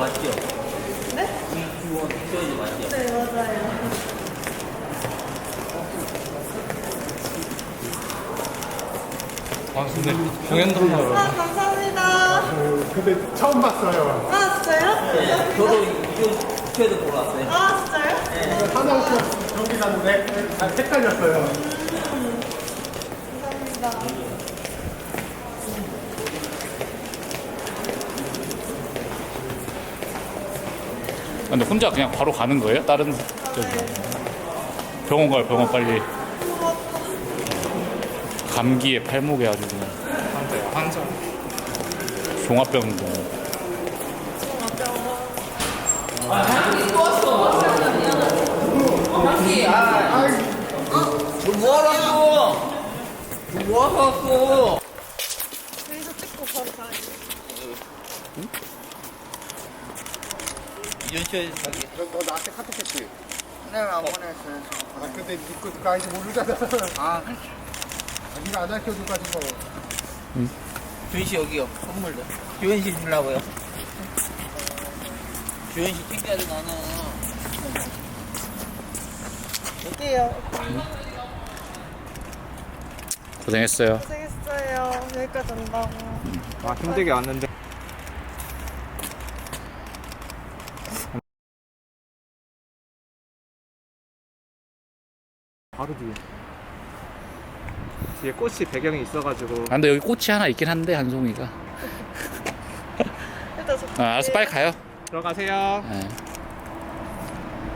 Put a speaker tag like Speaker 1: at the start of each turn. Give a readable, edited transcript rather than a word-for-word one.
Speaker 1: 맞죠?
Speaker 2: 네?
Speaker 1: 주원이 맞죠?
Speaker 2: 네, 맞아요.
Speaker 3: 아 근데 공연도 하나요?
Speaker 2: 감사합니다.
Speaker 4: 근데 처음 봤어요.
Speaker 2: 진짜요?
Speaker 1: 네, 저도 이교도 보러 왔어요.
Speaker 2: 진짜요?
Speaker 4: 하나부터 경기 갔는데 잘 헷갈렸어요.
Speaker 2: 감사합니다.
Speaker 3: 근데 혼자 그냥 바로 가는 거예요? 다른 저기 병원 가요. 병원 빨리. 감기에 팔목에 아주 그냥 환자 종합병원.
Speaker 1: 뭐하러 왔어? 뭐하러 왔어?
Speaker 2: 여기서 찍고 바로 가야지.
Speaker 1: 이현씨의 자기.
Speaker 4: 너 나한테 카톡했지?
Speaker 1: 네, 안 보냈어요.
Speaker 4: 아 근데 그거 아직 모르잖아.
Speaker 1: 아,
Speaker 4: 네가 안 알려줘 가지고.
Speaker 1: 주현씨 여기요. 선물도. 주현씨 주려고요. 주현씨 챙겨야 돼, 나는.
Speaker 2: 어때요?
Speaker 3: 고생했어요.
Speaker 2: 고생했어요. 여기까지 온다고.
Speaker 5: 아 힘들게 왔는데 바로 뒤에 꽃이 배경이 있어가지고
Speaker 3: 아, 근데 여기 꽃이 하나 있긴 한데 한 송이가.
Speaker 2: 일단 저
Speaker 3: 아, 알았어 빨리 가요.
Speaker 5: 들어가세요.
Speaker 3: 네.